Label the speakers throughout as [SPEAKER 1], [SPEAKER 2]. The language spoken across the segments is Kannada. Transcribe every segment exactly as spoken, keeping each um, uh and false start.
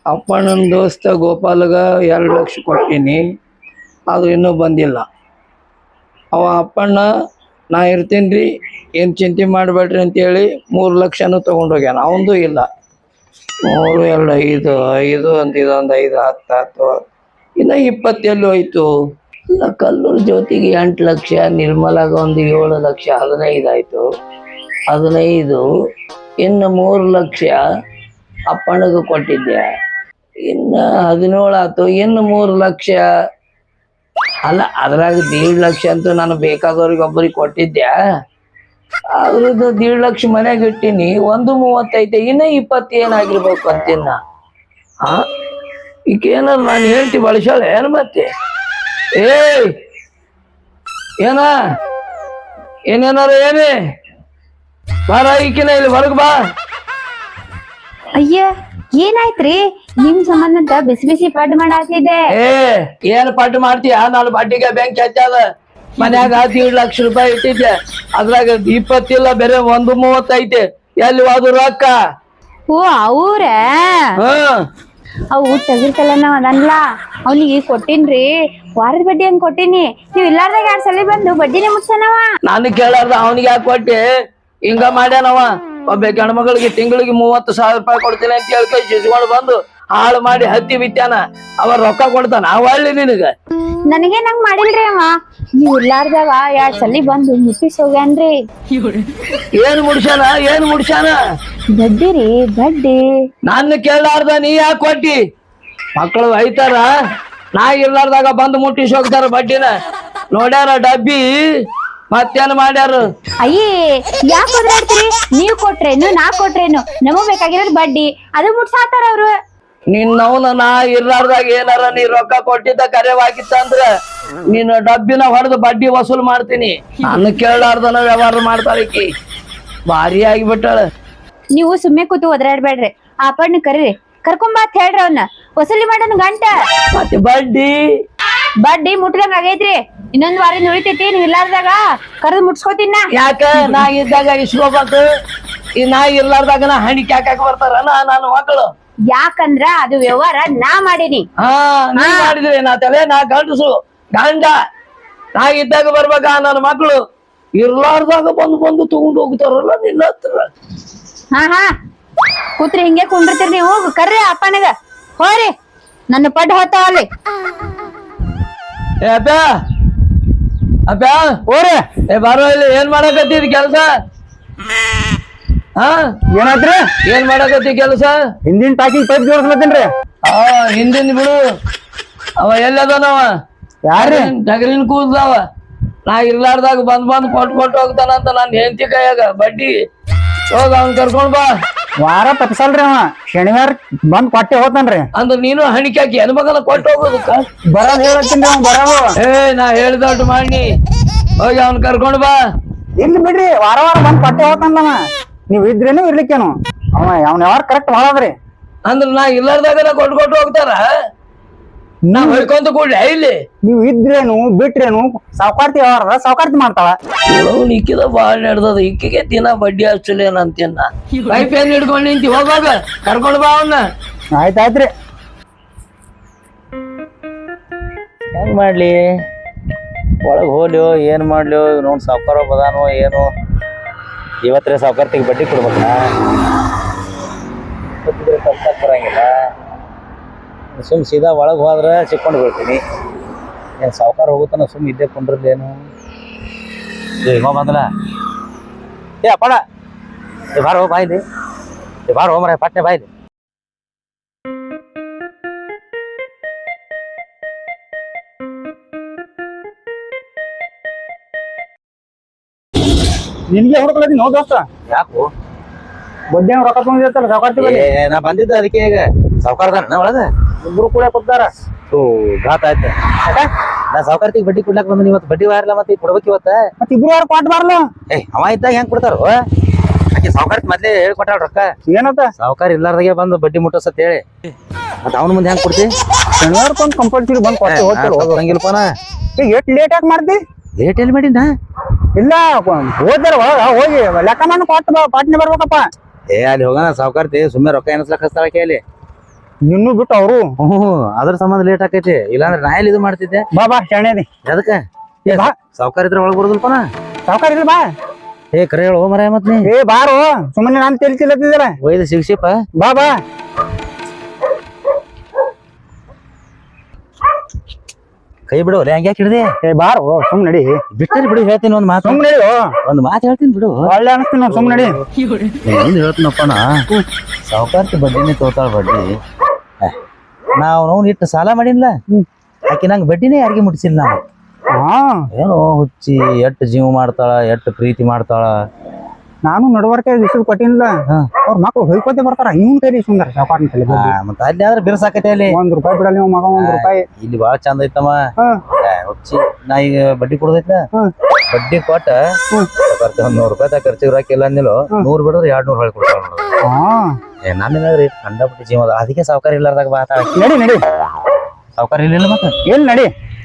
[SPEAKER 1] ಅಪ್ಪಣ್ಣನ ದೋಸ್ತ ಗೋಪಾಲಗ ಎರಡು ಲಕ್ಷ ಕೊಟ್ಟೀನಿ, ಅದು ಇನ್ನೂ ಬಂದಿಲ್ಲ. ಅವ ಅಪ್ಪಣ್ಣ ನಾ ಇರ್ತೀನಿ ರೀ, ಏನು ಚಿಂತೆ ಮಾಡಬೇಡ್ರಿ ಅಂತೇಳಿ ಮೂರು ಲಕ್ಷನೂ ತೊಗೊಂಡೋಗ್ಯಾನ. ಅವಂದು ಇಲ್ಲ. ಮೂರು ಎರಡು ಐದು ಐದು ಒಂದು ಇದೊಂದು ಐದು ಹತ್ತು ಹತ್ತು ಇನ್ನು ಇಪ್ಪತ್ತೆಲ್ಲೂ ಹೋಯ್ತು. ಇಲ್ಲ, ಕಲ್ಲೂರು ಜ್ಯೋತಿಗೆ ಎಂಟು ಲಕ್ಷ, ನಿರ್ಮಲಾಗ ಒಂದು ಏಳು ಲಕ್ಷ, ಹದಿನೈದು ಆಯಿತು. ಹದಿನೈದು ಇನ್ನು ಮೂರು ಲಕ್ಷ ಅಪ್ಪಣ್ಣಗೆ ಕೊಟ್ಟಿದ್ದೆ. ಇನ್ನು ಹದಿನೇಳು ಆಯ್ತು. ಇನ್ನು ಮೂರು ಲಕ್ಷ ಅಲ್ಲ, ಅದ್ರಾಗ ದೀಡ್ ಲಕ್ಷ ಅಂತೂ ನಾನು ಬೇಕಾದವ್ರಿಗೆ ಒಬ್ಬರಿಗೆ ಕೊಟ್ಟಿದ್ದೆ. ಅದ್ರದ್ದು ದೀಡ್ ಲಕ್ಷ ಮನೆಗೆ ಇಟ್ಟೀನಿ. ಒಂದು ಮೂವತ್ತೈತೆ, ಇನ್ನೂ ಇಪ್ಪತ್ತು ಏನಾಗಿರ್ಬೇಕು ಅಂತಿನ್ನ. ಹಾ, ಈಗ ಏನಾರು ನಾನು ಹೇಳ್ತಿ ಬಳಸಾಳೆ ಏನು ಮತ್ತೆ? ಏಯ್ ಏನ ಏನೇನಾರು ಏನೇ ಬಾರ, ಈಕಿನ ಇಲ್ಲಿ ಹೊರಗೆ ಬಾ.
[SPEAKER 2] ಅಯ್ಯ, ಏನಾಯ್ತ್ರಿ? ನಿಮ್ ಸಂಬಂಧ ಬಿಸಿ ಬಿಸಿ ಪಡ್ ಮಾಡಾತಿದೆ.
[SPEAKER 1] ಏ ಏನ್ ಪಟ್ಟು ಮಾಡ್ತೀಯ? ನಾನು ಬಡ್ಡಿಗೆ ಬ್ಯಾಂಕ್ ಹಚ್ಚದ ಮನ್ಯಾಗ ದೀಡ್ ಲಕ್ಷ ರೂಪಾಯಿ ಇಟ್ಟಿದ್ದೆ. ಅದ್ರಾಗ ಇಪ್ಪತ್ತಿಲ್ಲ, ಬೇರೆ ಒಂದು ಮೂವತ್ತೈತೆ. ಎಲ್ಲಿ ಹೋದ್ರು ರೊಕ್ಕ?
[SPEAKER 2] ಓ, ಅವ್ರ
[SPEAKER 1] ಹ್ಮ್
[SPEAKER 2] ಅವು ತೆಗಿರ್ತಲ್ಲ ನಾವ್ ಅದನ್ಲ ಅವ್ನಿಗೆ ಕೊಟ್ಟಿನ್ರಿ. ವಾರದ ಬಡ್ಡಿ ಹಂಗ್ ಕೊಟ್ಟಿನಿ. ನೀವ್ ಇಲ್ಲಾರ್ದಾಗ ಎರಡ್ ಸಲ ಬಂದು ಬಡ್ಡಿನೇ ಮುಟ್ಸನವ.
[SPEAKER 1] ನಾನು ಕೇಳಾರ್ದ ಅವನಿಗೆ ಯಾಕೆ ಕೊಟ್ಟಿ? ಹಿಂಗ ಮಾಡ್ಯಾನವ. ಒಬ್ಬ ಗಂಡ್ಮಗಳಿಗೆ ತಿಂಗಳಿಗೆ ಮೂವತ್ತು ಸಾವಿರ ರೂಪಾಯಿ ಕೊಡ್ತೀನಿ ಅಂತ ಹೇಳ್ಕೊ ಸಿಸ್ಕೊಂಡು ಬಂದು ಹಾಳು ಮಾಡಿ ಹತ್ತಿ ಬಿತ್ತಾನ. ಅವ ರೊಕ್ಕ ಕೊಡ್ತಾನ? ಒಳ್ಳೆ ನಿನಗ
[SPEAKER 2] ನನಗೆ ನಂಗ್ ಮಾಡಿಲ್ರಿ ಅವ. ನೀವ್ ಇಲ್ಲಾರ್ದಾಗ ಎರಡ್ ಸಲ ಬಂದು ಮುಟ್ಟಿಸ್ ಹೋಗ್ಯಾನ್ರಿ.
[SPEAKER 1] ಏನ್ ಮುಡ್ಸ್ಯಾನ? ಏನ್ ಮುಡ್ಸ್ಯಾನ?
[SPEAKER 2] ಬಡ್ಡಿ ರೀ, ಬಡ್ಡಿ.
[SPEAKER 1] ನಾನು ಕೇಳಾರ್ದ ನೀ ಯಾಕೆ ಕೊಟ್ಟಿ? ಮಕ್ಕಳು ಐತಾರ, ನಾ ಇರ್ಲಾರ್ದಾಗ ಬಂದು ಮುಟ್ಟಿಸಿ ಹೋಗ್ತಾರ ಬಡ್ಡಿನ. ನೋಡ್ಯಾರ ಡಬ್ಬಿ, ಮತ್ತೇನ್ ಮಾಡ್ಯಾರ?
[SPEAKER 2] ಅಯ್ಯೇ, ಯಾಕೆ ಓದಾಡ್ತೀರಿ? ನೀವ್ ಕೊಟ್ರೇನು ನಾ ಕೊಟ್ರೇನು, ನಮಗ್ ಬೇಕಾಗಿರೋದ್ ಬಡ್ಡಿ. ಅದು ಮುಟ್ಸಾತಾರ ಅವ್ರು.
[SPEAKER 1] ನಿನ್ನವನ ನಾ ಇರ್ಲಾರ್ದಾಗ ಏನಾರ ನೀ ರೊಕ್ಕ ಕೊಟ್ಟಿದ್ದ ಕರೆವಾಗಿತ್ತಂದ್ರ ನೀನು ಡಬ್ಬಿನ ಹೊಡೆದು ಬಡ್ಡಿ ವಸೂಲ್ ಮಾಡ್ತೀನಿ. ನಾನು ಕೇಳಾರ್ದನ ವ್ಯವಹಾರ ಮಾಡ್ತಾಳಕಿ. ಭಾರಿ ಆಗಿಬಿಟ್ಟಾಳ.
[SPEAKER 2] ನೀವು ಸುಮ್ಮನೆ ಕೂತು ಒದರಾಡ್ಬೇಡ್ರಿ. ಆ ಪಣ್ಣ ಕರೀರಿ, ಕರ್ಕೊಂಬಾತ್ ಹೇಳ್ರಿ ಅವನ್ನ. ವಸೂಲಿ ಮಾಡೋಣ ಗಂಟ.
[SPEAKER 1] ಮತ್ತೆ ಬಡ್ಡಿ
[SPEAKER 2] ಬಡ್ಡಿ ಮುಟ್ದಂಗ ಆಗೈತ್ರಿ. ಇನ್ನೊಂದ್ ವಾರ ಉಳಿತೈತಿ. ನೀವ್ ಇಲ್ಲಾರ್ದಾಗ ಕರೆದು ಮುಟ್ಸ್ಕೋತೀನ.
[SPEAKER 1] ಯಾಕ ನಾ ಇದ್ದಾಗ ಇಸ್ಕೋಬೇಕು, ಈ ನಾ ಇರ್ಲಾರ್ದಾಗ ನಾ ಹಣಿಕೆ ಹಾಕಕ್ ಬರ್ತಾರ ನಾನು ಮಕ್ಕಳು?
[SPEAKER 2] ಯಾಕಂದ್ರ ಅದು ವ್ಯವಹಾರ ನಾ ಮಾಡೀನಿ.
[SPEAKER 1] ಹಾ, ನೀ ಮಾಡಿದ್ರಿ. ನಾ ತಲೆ ನಾ ಗಂಡಸು ಗಂಡ. ನಾ ಇದ್ದಾಗ ಬರ್ಬೇಕ ನನ್ನ ಮಕ್ಕಳು. ಇರ್ಲಾರ್ದಾಗ ಬಂದು ಬಂದು ತಗೊಂಡು ಹೋಗ್ತಾರಲ್ಲ ನಿನ್ನ ಹತ್ರ.
[SPEAKER 2] ಹಾ ಹಾ ಕೂತ್ರಿ, ಹಿಂಗೆ ಕುಂಡಿರ್ತೀರಿ ನೀವು. ಕರ್ರಿ ಅಪ್ಪನಿಗ. ಹೋರಿ, ನನ್ನ ಪಡ್ ಹೋತಾವ ಅಲ್ಲಿ.
[SPEAKER 1] ಏ ಅಪ್ಪ, ಅಪ್ಪ ಓರೆ, ಏ ಬಾರೋ ಇಲ್ಲಿ. ಏನ್ ಮಾಡಕತ್ತೀರಿ ಕೆಲ್ಸ? ಹಾ,
[SPEAKER 3] ಏನಾದ್ರಿ?
[SPEAKER 1] ಏನ್ ಮಾಡಕತ್ತಿ ಕೆಲಸ?
[SPEAKER 3] ಹಿಂದಿನ ಟಾಕಿಂಗ್ ಪೈಪ್ ಜೋಡಿಸ್ಲತ್ತೇನ್ರಿ.
[SPEAKER 1] ಆ ಹಿಂದಿನ ಬಿಡು. ಅವ ಎಲ್ಲದನವ?
[SPEAKER 3] ಯಾರ್ರಿ?
[SPEAKER 1] ಟಗರಿನ ಕೂದಲವ. ನಾ ಇರ್ಲಾರ್ದಾಗ ಬಂದ್ ಬಂದ್ ಕೊಟ್ಟು ಕೊಟ್ಟು ಹೋಗ್ತಾನಂತ ನಾನು ಹೆಂಡತಿ ಕೈಯಾಗ ಬಡ್ಡಿ. ಹೋಗ ಅವ್ನ್ ಕರ್ಕೊಂಡ್ ಬಾ.
[SPEAKER 3] ವಾರ ತಪ್ಸಲ್ರಿ ಅವ. ಶನಿವಾರ ಬಂದ್ ಕೊಟ್ಟೆ ಹೋತಾನ್ರಿ.
[SPEAKER 1] ಅಂದ್ರ ನೀನು ಹಣಿಕೆ ಹಾಕಿ ಹೆಣ್ಮಗನ ಕೊಟ್ಟು ಹೋಗೋದಕ್ಕ?
[SPEAKER 3] ಬರೋದ್ ಹೇಳತ್ತೀನಿ ಅವ್ ಬರೋದು.
[SPEAKER 1] ಏ ನಾ ಹೇಳ್ದೊಟ್ಟು ಮಾಡಿ. ಹೋಗಿ ಅವ್ನ್ ಕರ್ಕೊಂಡ್ ಬಾ.
[SPEAKER 3] ಇಲ್ಲಿ ಬಿಡ್ರಿ, ವಾರ ವಾರ ಬಂದ್ ಕೊಟ್ಟೆ ಹೋತಾನವ. ನೀವ್ ಇದ್ರೇನು ಇರ್ಲಿಕ್ಕೇನು ಅವ ಅವ್ನ ಯಾವಾರ ಕರೆಕ್ಟ್ ಮಾಡೋದ್ರಿ.
[SPEAKER 1] ಅಂದ್ರ ನಾ ಇಲ್ಲಾರ್ದಾಗ ಕೊಟ್ಟು ಕೊಟ್ಟು ಹೋಗ್ತಾರ? ನಾ ಹೊಯ್ಕೊಂತ ಕೂಡ್ಲೆ ಇಲ್ಲಿ?
[SPEAKER 3] ನೀವ್ ಇದ್ರೇನು ಬಿಟ್ರೇನು ಸಾವ್ಕಾರ್ತಿ ಯಾವಾರ ಸಾವ್ಕಾರ್ತಿ ಮಾಡ್ತಾಳ.
[SPEAKER 1] ಅವ್ನು ಇಕ್ಕಿದ ಬಾಳ್ ನಡೆದದ. ಇಕ್ಕಿಗೆ ದಿನ ಬಡ್ಡಿ ಹಚ್ಚಲೇನಂತೀನ. ಪೈಪ್ ಏನ್ ಹಿಡ್ಕೊಂಡ್ ನಿಂತಿ? ಹೋಗಾಗ ಕರ್ಕೊಂಡ್ ಬಾ ಅವನ್ನ.
[SPEAKER 3] ಆಯ್ತಾಯ್ತ್ರಿ.
[SPEAKER 4] ಹೆಂಗ್ ಮಾಡ್ಲಿ? ಒಳಗ್ ಹೋಲ್ಯೋ ಏನ್ ಮಾಡ್ಲಿಯೋ ನೋಡ್ ಸಾವ್ಕಾರ ಬದಾನೋ ಏನು. ಇವತ್ತೇ ಸಾವ್ಕಾರ್ತಿಗೆ ಬಡ್ಡಿ ಕೊಡ್ಬೇಕ. ಕಲ್ಸಕ್ ಬರಂಗಿಲ್ಲ. ಸುಮ್ ಸೀದಾ ಒಳಗೆ ಹೋದ್ರೆ ಸಿಕ್ಕೊಂಡು ಬೀಳ್ತೀನಿ. ಏನು ಸಾವ್ಕಾರ ಹೋಗುತ್ತಾನ ಸುಮ್ ಇದ್ದೇ ಕೊಂಡ್ರಲ್ಲೇನು. ಇವ ಬಂದಲ್ಲ. ಏ ಅಪ್ಪಣ, ಏ ಬಾರ ಹೋ ಬಾಯ್ಲಿ. ಏ ಬಾರ ಹೋಮ್ರ ಪಟ್ನೆ ಬಾಯ್ಲಿ.
[SPEAKER 3] ನಿನ್ಗೆ ಹುಡುಕಲತ್ತೀನಿ ನೋ ದೋಸ್ತ.
[SPEAKER 4] ಯಾಕು?
[SPEAKER 3] ಬಡ್ಡಿ ರೊಕ್ಕ ತಗೊಂಡಿರ್ತಾರ ಸಾವ್ಕಾರ್ತಿ ಬಲ್ಲಿ.
[SPEAKER 4] ನಾ ಬಂದಿದ್ದ ಅದಕ್ಕೆ. ಈಗ ಸಾವ್ಕಾರದಾನ ಒಳಗ
[SPEAKER 3] ಇಬ್ರು ಕೂಡ ಕೊಡ್ತಾರ.
[SPEAKER 4] ಓ ಘಾತ ಆಯ್ತ. ನಾ ಸಾವ್ಕಾರ್ತಿಗೆ ಬಡ್ಡಿ ಕೊಡ್ಲಾಕ್ ಬಂದ. ಇವತ್ತು ಬಡ್ಡಿ ವಾರಲ್ಲ, ಮತ್ತೆ ಕೊಡ್ಬೇಕು ಇವತ್ತ.
[SPEAKER 3] ಮತ್ ಇಬ್ರು ಯಾರು ಕೊಟ್ಟು ಬಾರ್ಲ?
[SPEAKER 4] ಏ ಅವ ಇದ್ದಾಗ ಹೆಂಗ್ ಕೊಡ್ತಾರ? ಆಕೆ ಸಾವ್ಕಾರ್ತಿ ಮೊದ್ಲೇ ಹೇಳ್ಕೊಟ್ಟಾಳ ರೊಕ್ಕ.
[SPEAKER 3] ಏನತ್ತ?
[SPEAKER 4] ಸಾವ್ಕಾರ ಇಲ್ಲಾರ್ದಾಗೆ ಬಂದು ಬಡ್ಡಿ ಮುಟ್ಟಸತ್ ಹೇಳಿ. ಮತ್ತ ಅವ್ನ ಮುಂದೆ ಹೆಂಗ್ ಕೊಡ್ತಿ?
[SPEAKER 3] ಶನಿವಾರಕ್ಕೊಂದು ಕಂಪಲ್ಸರಿ ಬಂದ್ ಕೊಟ್ಟು ಹೋಗ್ತಾರ.
[SPEAKER 4] ಹಂಗಿಲ್ಪನ.
[SPEAKER 3] ಈಗ ಎಷ್ಟ್ ಲೇಟ್ ಯಾಕೆ ಮಾಡ್ತಿ?
[SPEAKER 4] ರೇಟ್ ಎಲ್ಲಿ ಮಾಡಿನ?
[SPEAKER 3] ಇಲ್ಲ, ಹೋದ್ರ ಒಳಗ ಹೋಗಿ ಲೆಕ್ಕ ಮಾಡಿ ಕೊಟ್ಟು ಪಾಟ್ನೆ ಬರ್ಬೇಕಪ್ಪ.
[SPEAKER 4] ಏ ಅಲ್ಲಿ ಹೋಗೋಣ ಸಾವ್ಕಾರ್ತಿ ಸುಮ್ಮನೆ ರೊಕ್ಕ ಎನಸ್ಲಕ್ ಹಸ್ತಾಳಕ್ಕೆ ಅಲ್ಲಿ.
[SPEAKER 3] ನಿನ್ನೂ ಬಿಟ್ಟು ಅವರು
[SPEAKER 4] ಹ್ಞೂ ಅದ್ರ ಸಂಬಂಧ ಲೇಟ್ ಆಕೈತಿ ಇಲ್ಲಾಂದ್ರೆ ನಾ ಎಲ್ಲಿ ಇದು ಮಾಡ್ತಿದ್ದೆ
[SPEAKER 3] ಬಾ ಬಾ ಶಾಣೆದಿ
[SPEAKER 4] ಅದಕ್ಕೆ
[SPEAKER 3] ಏ ಬಾ
[SPEAKER 4] ಸಾವುಕಾರ ಇದ್ರೆ ಒಳಗೆ ಬರೋದಲ್ಪನ
[SPEAKER 3] ಸಾವ್ಕಾರ ಇಲ್ಲ ಬಾ
[SPEAKER 4] ಏ ಕರೆ ಹೇಳು ಮರ ಮತ್ ನೀ
[SPEAKER 3] ಏ ಬಾರೋ ಸುಮ್ಮನೆ ನಾನು ತಿಳಿಸಿಲ್ಲತ್ತಿದ್ದೀರ
[SPEAKER 4] ಒಯ್ದು ಸಿಗ್ಸಿಪ್ಪ
[SPEAKER 3] ಬಾ ಬಾ
[SPEAKER 4] ಕೈ ಬಿಡು ಹಂಗೆ ಯಾಕೆ ಹಿಡ್ದೆ
[SPEAKER 3] ಏ ಬಾರೋ ಸುಮ್ ನಡಿ
[SPEAKER 4] ಬಿಟ್ಟರಿ ಬಿಡು ಹೇಳ್ತೀನಿ ಒಂದ್ ಮಾತು
[SPEAKER 3] ಸುಮ್ ನಡಿ
[SPEAKER 4] ಒಂದ್ ಮಾತು ಹೇಳ್ತೀನಿ ಬಿಡು
[SPEAKER 3] ಒಳ್ಳೆ ಅನಿಸ್ತೀನಿ ನೋಡಿ ಸುಮ್ ನಡಿ
[SPEAKER 4] ಹಿಂದ್ ಹೇಳ್ತೀನಪ್ಪನ ಸಾವುಕಾರ್ತಿ ಬಡ್ಡಿನೇ ತೋತಾಳ ಬಡ್ಡಿ ನಾವು ನಾವು ಇಟ್ಟು ಸಾಲ ಮಾಡಿಲ್ಲ ಆಕೆ ನಂಗೆ ಬಡ್ಡಿನೇ ಯಾರಿಗೆ ಮುಟ್ಸಿಲ್ಲ ನಾವು
[SPEAKER 3] ಹಾ
[SPEAKER 4] ಏನೋ ಹುಚ್ಚಿ ಎಟ್ಟು ಜೀವ ಮಾಡ್ತಾಳ ಎಟ್ಟು ಪ್ರೀತಿ ಮಾಡ್ತಾಳ
[SPEAKER 3] ನಾನು ನಡವರ್ಕೆ ಇಷ್ಟು ಕೊಟ್ಟಿನಿಲ್ಲ ಅವ್ರ ಮಕ್ಳು ಹೊಯ್ಕೋತೆ ಬರ್ತಾರ ಇವ್ನ ಕೈಲಿ ಸುಂದರ ಸಾವ್ಕಾರನ ಕೈಲಿ
[SPEAKER 4] ಮತ್ತೆ ಅಲ್ಲಿ ಆದ್ರೆ ಬಿರ್ಸಾಕೈತೆ ಅಲ್ಲಿ
[SPEAKER 3] ಒಂದ್ ರೂಪಾಯಿ ಬಿಡಲ್ಲ ನೀವು ಮಗ ಒಂದ್ ರೂಪಾಯಿ
[SPEAKER 4] ಇಲ್ಲಿ ಬಾಳ ಚಂದ ಐತಮ್ಮ ಹುಚ್ಚಿ ನಾ ಈಗ ಬಡ್ಡಿ ಕೊಡದೈತ ಬಡ್ಡಿ ಕೊಟ್ಟ ಒಂದ್ ನೂರ್ ರೂಪಾಯಿ ಖರ್ಚಿಗೆ ರಾಕಿಲ್ಲ ಅಂದಿಲ್ಲ ನೂರ್ ಬಿಡಿದ್ರೆ ಎರಡ್ ನೂರ್ ಹೊಳ್ ಕೊಡ್ತಾಳ ಏ ನನ್ನೇನಾದ್ರಿ ಕಂಡಪಟ್ಟಿ ಜೀವ ಅದ ಅದಕ್ಕೆ ಸಾವುಕಾರ ಇಲ್ಲಾರ್ದಾಗ ಬಾತ
[SPEAKER 3] ನಡಿ ನಡಿ
[SPEAKER 4] ಸಾವುಕಾರ ಇಲ್ಲ ಮತ್ತೆ
[SPEAKER 3] ಎಲ್ಲಿ ನಡಿ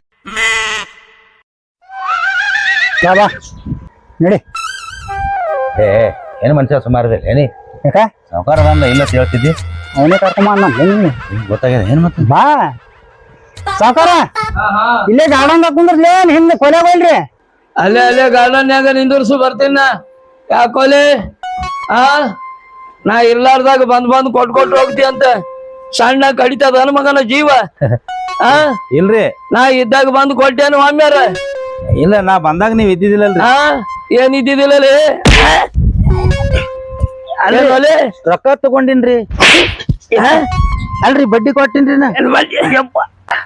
[SPEAKER 3] ಬಾ ಬಾ ನಡಿ
[SPEAKER 4] ಏ ಏನ್ ಮನುಷ್ಯ ಸುಮಾರದಿಲ್ಲ ಏನಿ
[SPEAKER 3] ಯಾಕ
[SPEAKER 4] ಸಾವುಕಾರ ಅದ ಇಲ್ಲ ಹೇಳ್ತಿದ್ದಿ
[SPEAKER 3] ಅವನೇ ಕರ್ಕೊಂಬ ಅಂದ ನಿನ್ನೆ
[SPEAKER 4] ಗೊತ್ತಾಗ್ಯದ ಏನ್ ಮತ್ತೆ
[SPEAKER 3] ಬಾ ಸಾವ್ಕಾರ ಇಲ್ಲೇ ಗಾರ್ಡನ್ ಕುಂದ್ರಲೇ ಹಿಂದೆ ಕೊಲೆ ಹೋಗ್ರಿ
[SPEAKER 1] ಅಲ್ಲೇ ಅಲ್ಲೇ ಗಾರ್ಡನ್ಯಾಗ ನಿಂದಿರ್ಸು ಬರ್ತೀನ ಯಾಕೋಲೆ ಆ ನಾ ಇರ್ಲಾರ್ದಾಗ ಬಂದ್ ಬಂದ್ ಕೊಟ್ ಕೊಟ್ಟು ಹೋಗ್ತಿ ಅಂತ ಸಣ್ಣ ಕಡಿತದ ನನ್ ಮಗನ ಜೀವ ಆ
[SPEAKER 4] ಇಲ್ರಿ
[SPEAKER 1] ನಾ ಇದ್ದಾಗ ಬಂದ್ ಕೊಟ್ಟೇನು ಒಮ್ಮ್ಯಾರ
[SPEAKER 4] ಇಲ್ಲ ನಾ ಬಂದಾಗ ನೀವ್ ಇದ್ದಿದ್ದಿಲ್ಲಲ್ರಿ
[SPEAKER 1] ಆ ಏನ್ ಇದ್ದಿದ್ದಿಲ್ಲಲೇ ಅಲ್ಲೇ
[SPEAKER 4] ರೊಕ್ಕ ತಗೊಂಡಿನ್ರಿ ಅಲ್ರಿ ಬಡ್ಡಿ ಕೊಟ್ಟಿನ್ರಿ ನಾ
[SPEAKER 1] ಯಪ್ಪ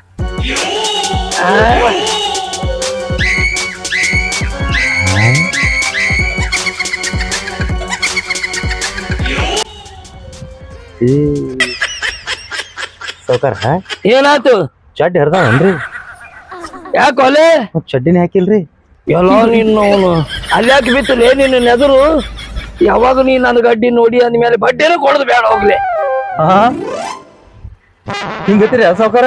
[SPEAKER 4] ಸಾವುಕಾರ
[SPEAKER 1] ಏನಾತು
[SPEAKER 4] ಚಡ್ಡಿ ಹರ್ದಾವನ್ರಿ
[SPEAKER 1] ಯಾಕೋಲೆ
[SPEAKER 4] ಮತ್ ಚಡ್ಡಿನೇ ಹಾಕಿಲ್ರಿ
[SPEAKER 1] ಎಲ್ಲ ನೀನು ಅವನು ಅಲ್ಯಾಕೆ ಬಿತ್ತಲೇ ನಿನ್ನ ನೆದರು ಯಾವಾಗ ನೀ ನನ್ನ ಗಡ್ಡಿ ನೋಡಿ ಅಂದ್ಮೇಲೆ ಬಡ್ಡಿನೂ ಕೊಡದು ಬೇಡ ಹೋಗ್ಲಿ
[SPEAKER 4] ಹಿಂಗತ್ತೀರಿ ಸಾವುಕಾರ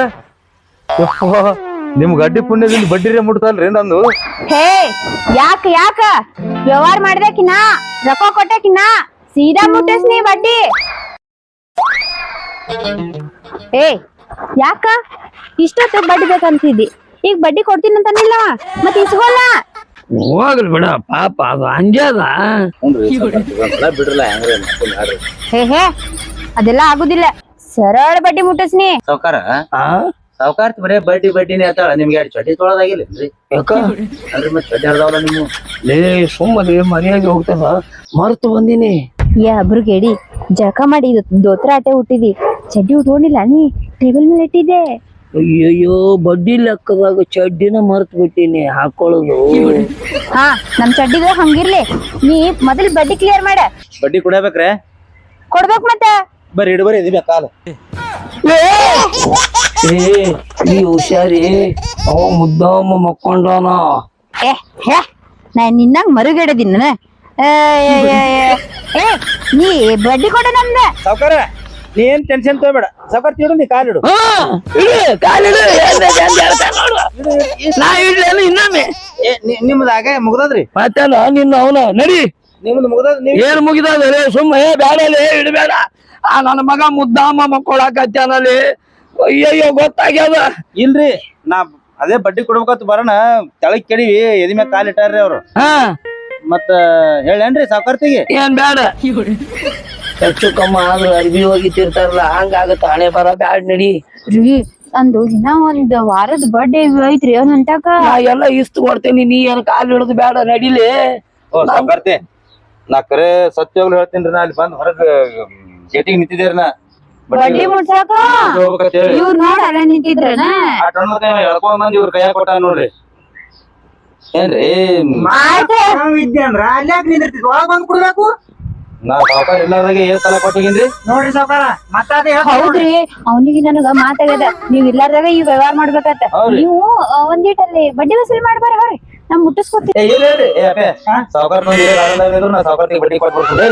[SPEAKER 4] ನಿಮ್ ಗಡ್ಡಿ ಪುಣ್ಯದಿಂದ ಬಡ್ಡಿರೇ ಮುಟ್ತಲ್ರಿ ನಂದು
[SPEAKER 2] ಹೇ ಯಾಕ ಯಾಕ ವ್ಯವಹಾರ ಮಾಡ್ದಕಿನ ರೊಕ್ಕ ಕೊಟ್ಟಕಿನ ಸೀದಾ ಮುಟ್ಟಿಸ್ ನೀ ಬಡ್ಡಿ ಏ ಯಾಕ ಇಷ್ಟೊತ್ತು ಬಡ್ಡಿ ಬೇಕಂತಿದ್ದಿ ಈಗ ಬಡ್ಡಿ ಕೊಡ್ತೀನಿ ಅಂತಾನಿಲ್ಲ ಮತ್ ಇಸ್ಕೊಲ್ಲ
[SPEAKER 1] ಹೋಗ್ಲಿ ಬಿಡ ಪಾಪ ಅದು ಅಂಜದ
[SPEAKER 4] ಬಿಡ್ರಲ್ಲ ಹೆಂಗ್ರಿ
[SPEAKER 2] ಹೇ ಹೇ ಅದೆಲ್ಲ ಆಗುದಿಲ್ಲ ಸರಳ ಬಡ್ಡಿ ಮುಟ್ಟಿಸ್ನಿ
[SPEAKER 4] ಸಾವುಕಾರ
[SPEAKER 1] ಆ
[SPEAKER 4] ಸಾವುಕಾರ್ತಿ ಬರೇ ಬಡ್ಡಿ ಬಡ್ಡಿನೇ ಆತಾಳ ನಿಮ್ಗೆ ಎರಡು ಚಡ್ಡಿ ತೊಳದಾಗಿಲ್ಲೇನ್ರಿ
[SPEAKER 1] ಯಾಕ
[SPEAKER 4] ಅಲ್ರಿ ಮತ್ ಚಡ್ಡಿ ಹರ್ದಾವಲ್ಲ ನೀವು
[SPEAKER 1] ಲೇ ಸುಮ್ಮನೆ ಮನೆಯಾಗಿ ಹೋಗ್ತದ ಮರ್ತು ಬಂದಿನಿ
[SPEAKER 2] ಏ ಅಬ್ರುಗೇಡಿ ಜಳಕ ಮಾಡಿ ಇದು ದೋತ್ರ ಆಟೆ ಹುಟ್ಟಿದಿ ಚಡ್ಡಿ ಉಟ್ಕೊಂಡಿಲ್ಲ ನೀ ಟೇಬಲ್ ಮೇಲೆ ಇಟ್ಟಿದ್ದೆ
[SPEAKER 1] ಅಯ್ಯಯ್ಯೋ ಬಡ್ಡಿ ಲೆಕ್ಕದಾಗ ಚಡ್ಡಿನ ಮರ್ತು ಬಿಟ್ಟಿನಿ ಹಾಕೊಳ್ಳೋದು
[SPEAKER 2] ಹಾ ನಮ್ ಚಡ್ಡಿಗ ಹಂಗಿರ್ಲಿ ನೀ ಮೊದಲ್ ಬಡ್ಡಿ ಕ್ಲಿಯರ್ ಮಾಡ
[SPEAKER 4] ಬಡ್ಡಿ ಕುಡಿಯಬೇಕ್ರೆ
[SPEAKER 2] ಕೊಡ್ಬೇಕ್ ಮತ್ತ
[SPEAKER 4] ಬರ್ರಿ ಇಡ್ ಬರ್ರಿ ಇದಿಲ್ಲ ಕಾಲ
[SPEAKER 1] ಏ ಈ ಹುಷಾರಿ ಅವ ಮುದ್ದಾಮ ಮಕ್ಕೊಂಡಾನ
[SPEAKER 2] ಏ ಹೇ ನಾ ನಿನ್ನಂಗ್ ಮರುಗಿಡದಿನ ನಾನು ಏ ಏ ನೀ ಬಡ್ಡಿ ಕೊಡ ನಮ್ದ
[SPEAKER 4] ಸಾವುಕಾರ ನೀ ಏನ್ ಟೆನ್ಷನ್ ತಗೋಬೇಡ ಸಾವುಕಾರ ತಿಡು ನೀ ಕಾಲಿಡು
[SPEAKER 1] ಹಾ ಇಡು ಕಾಲಿಡು ಏನ್ ಏನ್ ಹೇಳ್ತಾನ್ ನೋಡು. ನಾ ಇಡ್ಲೇನು ಇನ್ನೊಮ್ಮೆ
[SPEAKER 4] ನಿಮ್ದು ಆಗ ಮುಗ್ದದ್ರಿ
[SPEAKER 1] ಮತ್ತೇನ ನಿನ್ನ ಅವನ ನಡಿ
[SPEAKER 4] ನಿಮ್ದು ಮುಗ್ದದ್ ನೀವ್
[SPEAKER 1] ಏನ್ ಮುಗಿದಲೆ ಸುಮ್ಮ ಏ ಬ್ಯಾಡಲೇ ಇಡಬೇಡ ಆ ನನ್ನ ಮಗ ಮುದ್ದಾಮ ಮಕ್ಕೊಳಕತ್ತಾನಲ್ಲಿ ಅಯ್ಯಯ್ಯೋ ಗೊತ್ತಾಗ್ಯದ
[SPEAKER 4] ಇಲ್ರಿ ನಾ ಅದೇ ಬಡ್ಡಿ ಕೊಡ್ಬೇಕಂತ ಬರೋಣ ತೆಳಗ್ ಕೆಡಿವಿ ಎದಿ ಮ್ಯಾಗ ಕಾಲ್ ಇಟ್ಟಾರ್ರಿ ಅವ್ರು
[SPEAKER 1] ಹಾ
[SPEAKER 4] ಮತ್ತ ಹೇಳೇನ್ರಿ ಸಾವುಕಾರ್ತಿಗೆ
[SPEAKER 1] ಏನ್ ಬ್ಯಾಡ ಹೆಚ್ಚು ಕಮ್ಮ ಆದ್ರೂ ಅರ್ಬಿ ಹೋಗಿತಿರ್ತಾರಲ್ಲ ಹಂಗಾಗತ್ತ ಹಣೆ ಬರ ಬ್ಯಾಡ್ ನಡಿ
[SPEAKER 2] ರೀ ಅಂದು ದಿನ ಒಂದ್ ವಾರದ ಬರ್ಡೇ ಐತ್ರಿ ಅಂತಕ
[SPEAKER 1] ನಾ ಎಲ್ಲ ಇಷ್ಟು ಕೊಡ್ತೇನಿ ನೀ ಏನ್ ಕಾಲ್ ಹಿಡಿದು ಬೇಡ ನಡಿಲಿ
[SPEAKER 4] ಓ ಸಾವುಕಾರ್ತಿ ನಾ ಕರೆ ಸತ್ಯವಾಗ್ಲು ಹೇಳ್ತೀನಿ ನಾ ಅಲ್ಲಿ ಬಂದ್ ಹೊರಗ್ ಗೇಟಿಗೆ ನಿಂತಿದ್ದೇರಿ ನಾ
[SPEAKER 2] ಬಡ್ಡಿ ಮುಟ್ಸಾಕ ಇವ್ರ ನೋಡ ಅಲ್ಲ ನಿಂತಿದ್ರನ
[SPEAKER 4] ಎಳ್ಕೊಂಡ್ ಬಂದ್ ಇವ್ರ ಕೈಯಾಗ ಕೊಟ್ಟ ನೋಡ್ರಿ ಏನ್ರಿ
[SPEAKER 3] ವಿದ್ಯೆ ಅಂದ್ರ ಅಲ್ಯಾಕ ನಿಂದಿರ್ತಿದ್ ಒಳಗ್ ಬಂದ್ ಕುಡ್ಬೇಕು
[SPEAKER 4] ನಾ ಸಾವುಕಾರ ಇಲ್ಲಾರ್ದಾಗೆ ಏನ್ ಸಲ ಕೊಟ್ಟಿಗೇನ್ರಿ
[SPEAKER 3] ನೋಡ್ರಿ ಸಾವ್ಕಾರ ಮತ್ತಾದ
[SPEAKER 2] ಹೌದ್ರಿ ಅವನಿಗೆ ನನಗ ಮಾತಾಗದ ನೀವ್ ಇಲ್ಲಾರ್ದಾಗ ಈ ವ್ಯವಹಾರ ಮಾಡ್ಬೇಕತ್ತ ನೀವು ಒಂದಿಟ್ಟಲ್ಲಿ ಬಡ್ಡಿ ವಸೂಲಿ ಮಾಡ್ಬಾರ ಅವ್ರಿ ನಾ ಮುಟ್ಟಿಸ್ಕೊತೀನಿ
[SPEAKER 4] ಸಾವುಕಾರ ನಾ ಸಾವುಕಾರ್ತಿಗೆ ಬಡ್ಡಿ ಕೊಟ್ಬಿಡ್ತೀನಿ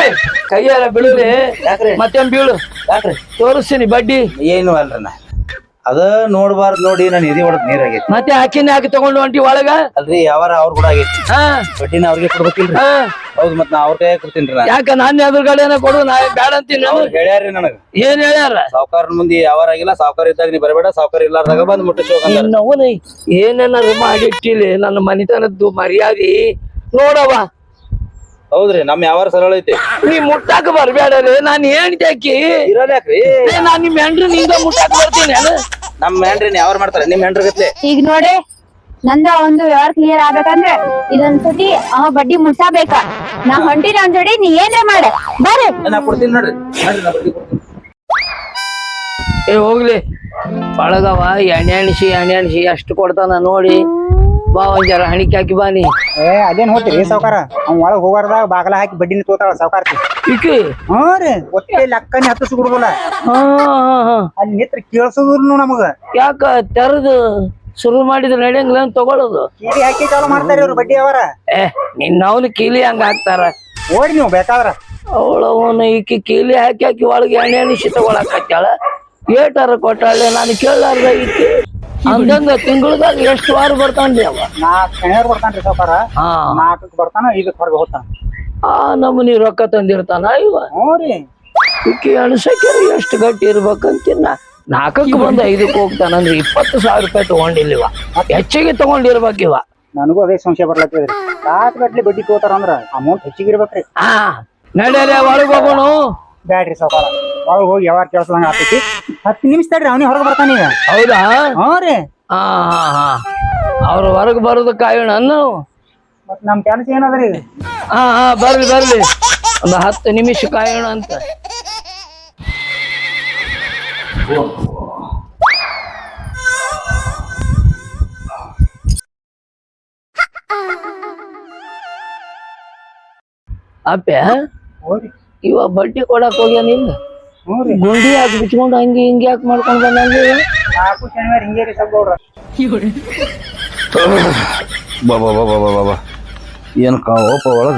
[SPEAKER 1] ಕೈಯಾರ ಬೀಳುಲೆ
[SPEAKER 4] ಯಾಕ್ರಿ
[SPEAKER 1] ಮತ್ತೇನ್ ಬೀಳು
[SPEAKER 4] ಯಾಕ್ರಿ
[SPEAKER 1] ತೋರಿಸ್ತೀನಿ ಬಡ್ಡಿ
[SPEAKER 4] ಏನು ಅಲ್ರಿ ನಾ ಅದ ನೋಡ್ಬಾರ್ದು ನೋಡಿ ನಾನು ಎದಿ ಹೊಡೆದ್ ನೀರ್ ಆಗೈತಿ.
[SPEAKER 1] ಮತ್ತೆ ಆಕಿನ ಹಾಕಿ ತಗೊಂಡು ಹೊಂಟಿ ಒಳಗ.
[SPEAKER 4] ಅಲ್ರಿ ಯಾವಾರ ಅವ್ರ ಕೂಡ ಆಗೈತಿ.
[SPEAKER 1] ಹಾ
[SPEAKER 4] ಬಡ್ಡಿನ ಅವ್ರಿಗೆ ಕೊಡ್ಬೇಕಿಲ್ರಿ.
[SPEAKER 1] ಹಾ
[SPEAKER 4] ಹೌದ್ ಮತ್ ನಾ ಅವ್ರ ಕೈ ಕೊಡ್ತೀನ್ರಿ. ನಾ
[SPEAKER 1] ಯಾಕ ನಾನ್ ಎದುರುಗಡೆನ ಕೊಡು, ನಾ ಬ್ಯಾಡ ಅಂತೀನಿ.
[SPEAKER 4] ಅವ್ರು ಹೇಳ್ಯಾರ್ರಿ ನನಗ.
[SPEAKER 1] ಏನ್ ಹೇಳ್ಯಾರ?
[SPEAKER 4] ಸಾವ್ಕಾರನ ಮುಂದೆ ಯಾವಾರ ಆಗಿಲ್ಲ, ಸಾವ್ಕಾರ ಇದ್ದಾಗ ನೀ ಬರಬೇಡ, ಸಾವ್ಕಾರ ಇಲ್ಲಾರ್ದಾಗ ಬಂದ್ ಮುಟ್ಟಿಸ್ಬೇಕಂದ್ರ.
[SPEAKER 1] ಇನ್ನವನ ಏನೇನಾರು ಮಾಡಿಟ್ಟಿಲಿ ನನ್ನ ಮನಿತನದ್ದು ಮರ್ಯಾದಿ ನೋಡವ.
[SPEAKER 4] ಹೌದ್ರಿ ನಮ್ ಯಾವಾರ ಸರಳ ಐತಿ.
[SPEAKER 1] ನೀ ಮುಟ್ಟಾಕ ಬರ್ಬೇಡ್ರಿ, ನಾನ್ ಏನ್ ಜಾಕಿ
[SPEAKER 4] ಇರೋದ್ಯಾಕ್ರಿ
[SPEAKER 1] ನಾನ್ ನಿಮ್ ಹೆಂಡ್ರಿ ನಿಂಗ ಮುಟ್ಟಾಕ ಬರ್ತೀನಿ.
[SPEAKER 4] ನಮ್ ಹೆಂಡ್ರಿ ಯಾವಾರ ಮಾಡ್ತಾರ ನಿಮ್ ಹೆಂಡ್ರ ಗತ್ಲೆ.
[SPEAKER 2] ಈಗ ನೋಡಿ ನಂದ ಒಂದು ವ್ಯವಹಾರ ಕ್ಲಿಯರ್ ಆಗ್ಬೇಕಂದ್ರೆ ಇದೊಂದ್ ಸತಿ ಅವ ಬಡ್ಡಿ ಮುಟ್ಸಬೇಕ. ನಾ ಹೊಂಟಿ ನನ್ ಜೋಡಿ ನೀ ಏನ್ರ ಮಾಡ ಬರ್ರಿ.
[SPEAKER 4] ನಾ ಕೊಡ್ತೀನಿ ನೋಡ್ರಿ. ನೋಡ್ರಿ ನಾ ಬಡ್ಡಿ ಕೊಡ್ತೀನಿ.
[SPEAKER 1] ಏ ಹೋಗ್ಲಿ ಒಳಗವ ಎಣ್ಣೆ ಎಣ್ಸಿ ಎಣ್ಣೆ ಎಣ್ಸಿ ಎಷ್ಟು ಕೊಡ್ತಾನ ನೋಡಿ ಬಾ, ಒಂದ್ ಜರ ಹಣಿಕೆ ಹಾಕಿ ಬಾನಿ.
[SPEAKER 3] ಏ ಅದೇನ್ ಹೋಗ್ತೀರಿ ಸಾವ್ಕಾರ? ಅವ್ನ ಒಳಗ್ ಹೋಗಾರ್ದಾಗ ಬಾಗಲ ಹಾಕಿ ಬಡ್ಡಿನ ತೋತಾಳ ಸಾವ್ಕಾರ್ತಿ.
[SPEAKER 1] ಈಕಿ
[SPEAKER 3] ಹ್ಞೂ ರೀ ಒಟ್ಟೆ ಲೆಕ್ಕನೆ ಹತ್ತಿಸ್ ಬಿಡುದಿಲ್ಲ.
[SPEAKER 1] ಹಾ ಹಾ ಹಾ
[SPEAKER 3] ಅಲ್ಲಿ ನಿತ್ರ ಕೇಳ್ಸುದ್ರು ನಮಗ.
[SPEAKER 1] ಯಾಕ ತೆರದು ಶುರು ಮಾಡಿದ್ರೆ ನಡೆಯಂಗಿಲ್ಲ ಅಂತ ತಗೊಳ್ಳೋದು.
[SPEAKER 3] ಕೀಲಿ ಹಾಕಿ ಚಾಲು ಮಾಡ್ತಾರ ಇವ್ರು ಬಡ್ಡಿ ಅವರ.
[SPEAKER 1] ಏ ನಿನ್ನವನು ಕೀಲಿ ಹಂಗ ಹಾಕ್ತಾರ.
[SPEAKER 3] ಓಡಿ ನೀವು ಬೇಕಾದ್ರ.
[SPEAKER 1] ಅವಳವನು ಈಕಿ ಕೀಲಿ ಹಾಕಿ ಹಾಕಿ ಒಳಗೆ ಎಣ್ಣೆ ಎಣಿಸಿ ತಗೊಳಕತ್ತಾಳ. ಏಟಾರ ಕೊಟ್ಟಾಳೆ ನಾನು ಕೇಳಾರ್ದ ಈಕಿ ಅಂದಂಗ ತಿಂಗಳದಾಗ ಎಷ್ಟು ವಾರ ಬರ್ತಾನ್ರಿ ಅವ?
[SPEAKER 3] ನಾಲ್ಕು ಶನಿವಾರ ಬರ್ತಾನ್ರಿ ಸಾವ್ಕಾರ.
[SPEAKER 1] ಹಾ
[SPEAKER 3] ನಾಲ್ಕಕ್ಕೆ ಬರ್ತಾನ, ಐದಕ್ಕೆ ಹೊರಗೆ ಹೋಗ್ತಾನ.
[SPEAKER 1] ಆ ನಮೂನಿ ರೊಕ್ಕ ತಂದಿರ್ತಾನ ಇವ.
[SPEAKER 3] ಹ್ಞೂ ರೀ
[SPEAKER 1] ಈಕಿ ಅಣಸಕ್ಯಾರ ಎಷ್ಟು ಗಟ್ಟಿ ಇರ್ಬೇಕಂತಿನ್ನ. ನಾಲ್ಕಕ್ಕೆ ಬಂದು ಐದಕ್ಕೆ ಹೋಗ್ತಾನಂದ್ರೆ ಇಪ್ಪತ್ತು ಸಾವಿರ ರೂಪಾಯಿ ತಗೊಂಡಿಲ್ಲಿವ, ಹೆಚ್ಚಿಗೆ ತಗೊಂಡಿರ್ಬೇಕಿವ.
[SPEAKER 3] ನನಗೂ ಅದೇ ಸಂಶಯ ಬರ್ಲತ್ತಿದ್ರಿ. ಸಾಕು ಗಟ್ಲಿ ಬಡ್ಡಿ ತೋತಾರ ಅಂದ್ರ ಅಮೌಂಟ್ ಹೆಚ್ಚಿಗೆ ಇರ್ಬೇಕ್ರಿ.
[SPEAKER 1] ಹಾ ನಡ್ಯಾರ ಒಳಗ್ ಹೋಗೋಣ.
[SPEAKER 3] ಬ್ಯಾಡ್ರಿ ಸಾವ್ಕಾರ, ಒಳಗೆ ಹೋಗಿ ಯಾವಾಗ ಕೇಳ್ಸದಂಗ ಆಗ್ತೈತಿ. ಹತ್ತು ನಿಮಿಷ ತಡ್ರಿ, ಅವನಿಗೆ ಹೊರಗೆ ಬರ್ತಾನ ಈಗ.
[SPEAKER 1] ಹೌದಾ?
[SPEAKER 3] ಹ್ಞೂ ರೀ.
[SPEAKER 1] ಹಾ ಹಾ ಹಾ ಅವ್ರ ಹೊರಗ್ ಬರೋದು ಕಾಯೋಣ ನಾವು.
[SPEAKER 3] ಮತ್ ನಮ್ ಕೆಲಸ ಏನದ್ರಿ?
[SPEAKER 1] ಹಾ ಹಾ ಬರ್ಲಿ ಬರ್ಲಿ, ಒಂದು ಹತ್ತು ನಿಮಿಷ ಕಾಯೋಣ ಅಂತ. ಅಪ್ಪ
[SPEAKER 3] ಹೋರಿ.
[SPEAKER 1] ಇವ ಬಡ್ಡಿ ಕೊಡಕ್ ಹೋಗ್ಯಾನಿಲ್ಲ,
[SPEAKER 3] ಹ್ಞೂ ರೀ.
[SPEAKER 1] ಗುಂಡಿ ಹಾಕಿ ಬಿಚ್ಕೊಂಡು ಹಂಗೆ ಹಿಂಗೆ ಯಾಕೆ ಮಾಡ್ಕೊಂಡ್ ಬಂದಲ್ಲಿ?
[SPEAKER 3] ನಾಲ್ಕು ಶನಿವಾರ ಹಿಂಗೆ ರೀ ಸ್ವಲ್ಪ ಗೌಡ್ರ.
[SPEAKER 4] ಬಾಬಾ ಬಾಬಾ ಬಾಬಾ ಬಾಬಾ ಏನ್ ಕಾವಪ್ಪ ಒಳಗ.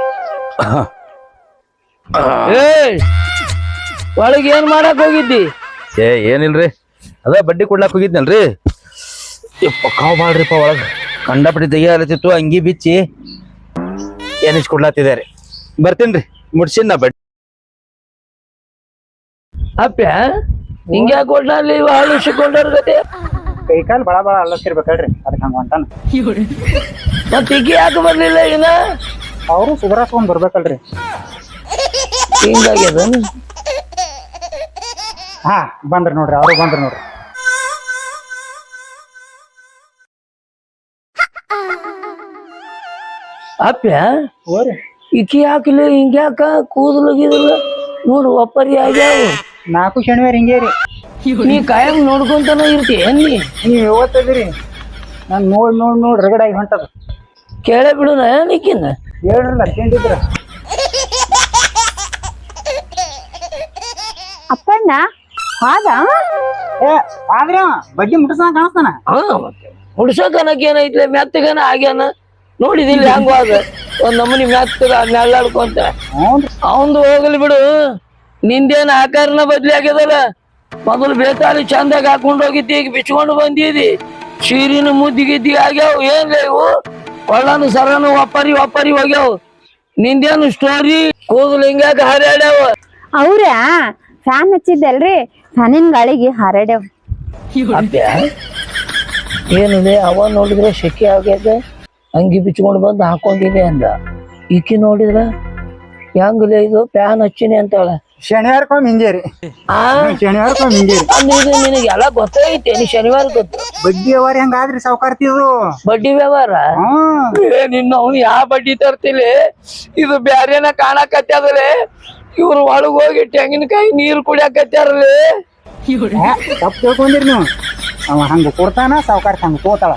[SPEAKER 1] ಏ ಒಳಗೆ ಏನ್ ಮಾಡಕ್ ಹೋಗಿದ್ದಿ?
[SPEAKER 4] ಏ ಏನಿಲ್ರಿ, ಅದ ಬಡ್ಡಿ ಕೊಡ್ಲಾಕ್ ಹೋಗಿದ್ನಲ್ರಿ. ಯಪ್ಪ ಕಾವ್ ಮಾಡ್ರಿಪ್ಪ ಒಳಗ ಕಂಡಪಟ್ಟಿ ತೆಗಿಯಲತ್ತಿತ್ತು, ಅಂಗಿ ಬಿಚ್ಚಿ ಏನಿಸ್ ಕೊಡ್ಲಾತಿದ್ದಾರೆ. ಬರ್ತೀನ್ರಿ, ಮುಡ್ಸಿನ್ ನಾ ಬಡ್ಡಿ.
[SPEAKER 1] ಅಪ್ಪ ಹಿಂಗೆ ಯಾಕೆ ಕೊಡ್ಲಿ ಇವ ಹಳಿಸಿಕೊಂಡವ್ರ ಗತೆ?
[SPEAKER 3] ಕೈ ಕಾಲು ಬಳ ಬಳ ಅಲ್ಲತ್ತಿರ್ಬೇಕಲ್ರಿ, ಅದಕ್ಕೆ ಹಂಗ ಹೊಂಟಾನ.
[SPEAKER 1] ಮತ್ ಈಕಿ ಯಾಕೆ ಬರ್ಲಿಲ್ಲ ಈಗ?
[SPEAKER 3] ಅವರು ಸುಧಾರಿಸ್ಕೊಂಡ್ ಬರ್ಬೇಕಲ್ರಿ.
[SPEAKER 1] ಹಿಂಗಾಗ್ಯದ.
[SPEAKER 3] ಹಾ ಬಂದ್ರಿ ನೋಡ್ರಿ, ಅವರು ಬಂದ್ರಿ ನೋಡ್ರಿ.
[SPEAKER 1] ಅಪ್ಪ
[SPEAKER 3] ಹೋರಿ.
[SPEAKER 1] ಈಕಿ ಯಾಕಲಿ ಹಿಂಗ್ಯಾಕ ಕೂದಲು ಗೀದಲು ನೋಡು ಒಪ್ಪರಿ ಆಗ್ಯಾವ.
[SPEAKER 3] ನಾಲ್ಕು ಶನಿವಾರ ಹಿಂಗೆ ರೀ.
[SPEAKER 1] ನೀ ಕಾಯಂ ನೋಡ್ಕೊಂತಾನ ಇರ್ತೀಯ ನೀ?
[SPEAKER 3] ನೀವ್ ಯಾವತ್ತದಿರಿ? ನಾನ್ ನೋಡ್ ನೋಡ್ ನೋಡ್ ರಗಡಾಗಿ ಹೊಂಟದ.
[SPEAKER 1] ಕೇಳೇ ಬಿಡುನ ನೀಕಿನ
[SPEAKER 3] ಹೇಳ್ರಲ್ಲ ಕೇಳಿದ್ರ.
[SPEAKER 2] ಅಪ್ಪಣ್ಣ ಹಾದ
[SPEAKER 3] ಏ ಆದ್ರ ಬಡ್ಡಿ ಮುಟ್ಟಿಸ ಕಾಣಿಸ್ತಾನ.
[SPEAKER 1] ಹಾ ಮತ್ತೆ ಹುಡ್ಸಕನಕ್ ಏನೈತ್ಲೆ, ಮೆತ್ತಗನ ಆಗ್ಯಾನ ನೋಡಿದಿಲ್ಲ ಹೆಂಗ ಅದ ಒಂದ್ ನಮೂನಿ ಮೆತ್ತಗ ನೆಳ್ಳಾಡ್ಕೊಂತ. ಅವಂದು ಹೋಗ್ಲಿ ಬಿಡು, ನಿಂದೇನ ಆಕಾರನ ಬದ್ಲಿ ಆಗ್ಯದಲ್ಲ. ಮೊದಲು ಬೇತಾಳಿ ಚಂದಾಗ ಹಾಕೊಂಡ್ ಹೋಗಿದ್ದಿ, ಈಗ ಬಿಚ್ಕೊಂಡು ಬಂದಿದಿ. ಸೀರಿನ ಮುದ್ದಿ ಗಿದ್ದಿ ಆಗ್ಯಾವ. ಏನ್ಲ ಇವು ಒಳ್ಳನು ಸರನು ಒಪ್ಪರಿ ಒಪ್ಪರಿ ಹೋಗ್ಯಾವ. ನಿಂದೇನು ಸ್ಟೋರಿ? ಕೂದಲು ಹಿಂಗಾಗ ಹರ್ಯಾಡ್ಯಾವ.
[SPEAKER 2] ಅವ್ರ ಫ್ಯಾನ್ ಹಚ್ಚಿದ್ದಲ್ರಿ, ಫ್ಯಾನಿನ ಗಾಳಿಗೆ ಹಾರಾಡ್ಯಾವ.
[SPEAKER 1] ಏನಿದೆ ಅವ ನೋಡಿದ್ರೆ ಶೆಕೆ ಆಗ್ಯದ, ಅಂಗಿ ಬಿಚ್ಕೊಂಡು ಬಂದು ಹಾಕೊಂಡಿದೆ ಅಂದ. ಈಕಿ ನೋಡಿದ್ರ ಹೆಂಗಲೇ ಇದು ಫ್ಯಾನ್ ಹಚ್ಚಿನಿ ಅಂತಾಳ.
[SPEAKER 3] ಶನಿವಾರಕ್ಕೊಮ್ಮೆ ಹಿಂಗೆ ರೀ.
[SPEAKER 1] ಆ
[SPEAKER 3] ಶನಿವಾರಕ್ಕೊಮ್ಮೆ ಹಿಂಗೆ ರೀ.
[SPEAKER 1] ಅಂದ್ರೆ ಇದು ನಿನಗೆ ಎಲ್ಲ ಗೊತ್ತೈತೆ, ನೀ ಶನಿವಾರ ಗೊತ್ತು.
[SPEAKER 3] ಬಡ್ಡಿ ಅವ್ರ ಹೆಂಗಾದ್ರಿ ಸಾವ್ಕಾರ್ತಿದು
[SPEAKER 1] ಬಡ್ಡಿ ವ್ಯವಹಾರ. ಏ ನಿನ್ನ ಅವ್ನು ಯಾವ ಬಡ್ಡಿ ತರ್ತಿಲಿ, ಇದು ಬ್ಯಾರೇನ ಕಾಣಕತ್ತದಲೇ. ಇವ್ರು ಒಳಗ್ ಹೋಗಿ ತೆಂಗಿನಕಾಯಿ ನೀರು ಕುಡಿಯಾಕತ್ತಾರಲೇ.
[SPEAKER 3] ತಪ್ಪು ತಿಳ್ಕೊಂಡಿರಿ ನೀವು. ಅವ ಹಂಗ ಕೊಡ್ತಾನ, ಸಾವ್ಕಾರ್ತಿ ಹಂಗ ತೋತಾಳ.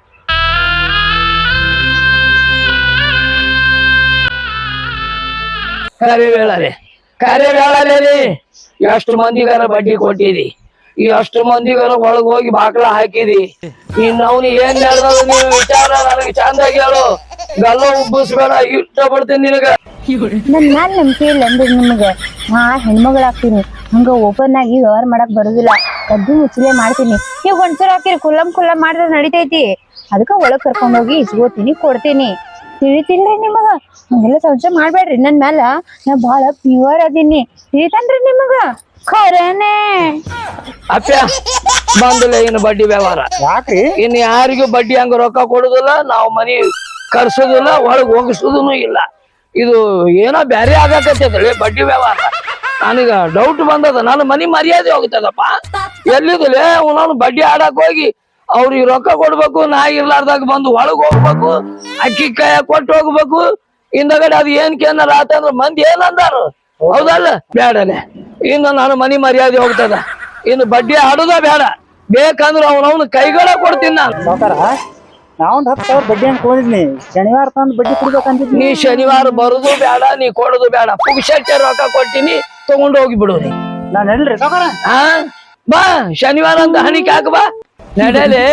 [SPEAKER 1] ಕರೆ ವೇಳಲೆ ಕರೆ ವೇಳಲೆ ಎಷ್ಟು ಮಂದಿಗಾರ ಬಡ್ಡಿ ಕೊಟ್ಟಿದಿ, ಈ ಅಷ್ಟು ಮಂದಿಗಾರ ಒಳಗ್ ಹೋಗಿ ಬಾಕ್ಲ ಹಾಕಿದಿ. ಇನ್ ಅವ್ನು ಏನ್ ಹೇಳ್ದ ನೀವು ವಿಚಾರ ನನಗೆ ಚಂದಾಗಿ ಹೇಳು. ಗಲ್ಲ ಉಬ್ಬಿಸ್ಬೇಡ, ಇಷ್ಟ ಪಡ್ತೀನಿ ನಿನಗ.
[SPEAKER 2] ನನ್ ಮ್ಯಾಲ ನಂಬಿಕೆ ಇಲ್ಲ ಅಂದ್ರೆ ನಿಮ್ಗ ನಾ ಹೆಣ್ಮಗಳಾಗ್ತೀನಿ. ಹಂಗ ಓಪನ್ ಆಗಿ ವ್ಯವಹಾರ ಮಾಡಕ್ ಬರುದಿಲ್ಲ. ಕದ್ದು ಮುಚ್ಚಲೆ ಮಾಡ್ತೀನಿ. ನೀವ್ ಒಂದ್ಸಲ ಹಾಕಿರಿ ಕುಲ್ಲಂ ಕುಲ್ಲಂ ಮಾಡಿದ್ರೆ ನಡಿತೈತಿ. ಅದಕ್ಕ ಒಳಗ್ ಕರ್ಕೊಂಡ್ ಹೋಗಿ ಇಸ್ಕೋತೀನಿ, ಕೊಡ್ತೀನಿ. ತಿಳಿತಿಲ್ರಿ ನಿಮಗ? ಹಂಗೆಲ್ಲ ಸಂಶಯ ಮಾಡ್ಬೇಡ್ರಿ ನನ್ ಮ್ಯಾಲ. ನಾ ಬಾಳ ಪ್ಯೂರ್ ಅದೀನಿ, ತಿಳಿತನ್ರಿ ನಿಮಗ? ಖರೇನೆ
[SPEAKER 1] ಅಪ್ಪ ಬಂದಿಲ್ಲ ಇನ್ನು ಬಡ್ಡಿ ವ್ಯವಹಾರ.
[SPEAKER 3] ಯಾಕ್ರಿ?
[SPEAKER 1] ಇನ್ ಯಾರಿಗೂ ಬಡ್ಡಿ ಹಂಗ ರೊಕ್ಕ ಕೊಡುದಿಲ್ಲ, ನಾವು ಮನಿ ಕರ್ಸೋದಿಲ್ಲ, ಒಳಗ್ ಹೋಗಿಸೋದನು ಇಲ್ಲ. ಇದು ಏನೋ ಬ್ಯಾರೆ ಆಗಕತ್ತೈತ್ರಿ ಬಡ್ಡಿ ವ್ಯವಹಾರ. ನನಗ ಡೌಟ್ ಬಂದದ, ನನ್ನ ಮನಿ ಮರ್ಯಾದೆ ಹೋಗ್ತದಪ್ಪ. ಎಲ್ಲಿದಲೇ ನಾನು ಬಡ್ಡಿ ಆಡಕ್ ಹೋಗಿ ಅವ್ರಿಗೆ ರೊಕ್ಕ ಕೊಡ್ಬೇಕು, ನಾ ಇರ್ಲಾರ್ದಾಗ ಬಂದು ಒಳಗ್ ಹೋಗ್ಬೇಕು, ಅಕ್ಕಿ ಕಾಯ ಕೊಟ್ಟು ಹೋಗ್ಬೇಕು. ಹಿಂದಗಡೆ ಅದು ಏನ್ ಕೇನಾರ ಆತಂದ್ರ ಮಂದಿ ಏನಂದಾರು? ಹೌದಲ್ಲ? ಬೇಡನೆ, ಇನ್ನು ನನ್ನ ಮನಿ ಮರ್ಯಾದೆ ಹೋಗ್ತದ. ಇನ್ನು ಬಡ್ಡಿ ಆಡುದ ಬೇಡ. ಬೇಕಂದ್ರ ಅವನವನು ಕೈಗಳ ಕೊಡ್ತೀನಿ ನಾನು.
[SPEAKER 3] ಸಾವ್ಕಾರ ನಾವೊಂದ್ ಹತ್ತು ಸಾವಿರ ಬಡ್ಡಿ ಹಂಗ್ ತಗೊಂಡಿದ್ನಿ. ಶನಿವಾರ ತಂದ್ ಬಡ್ಡಿ ಕೊಡ್ಬೇಕಂತಿದ್ನಿ.
[SPEAKER 1] ನೀ ಶನಿವಾರ ಬರುದು ಬೇಡ, ನೀ ಕೊಡುದು ಬೇಡ. ಪುಕ್ಷಕ್ಕೆ ರೊಕ್ಕ ಕೊಟ್ಟಿನಿ, ತಗೊಂಡು ಹೋಗಿ ಬಿಡು ನೀ.
[SPEAKER 3] ನಾನ್ ಹೇಳ್ರಿ ಸಾವ್ಕಾರ.
[SPEAKER 1] ಹಾ ಬಾ, ಶನಿವಾರ ಅಂತ ಹಣಿಕೆ ಹಾಕ ಬಾ, ನಡೆಯಲೇ.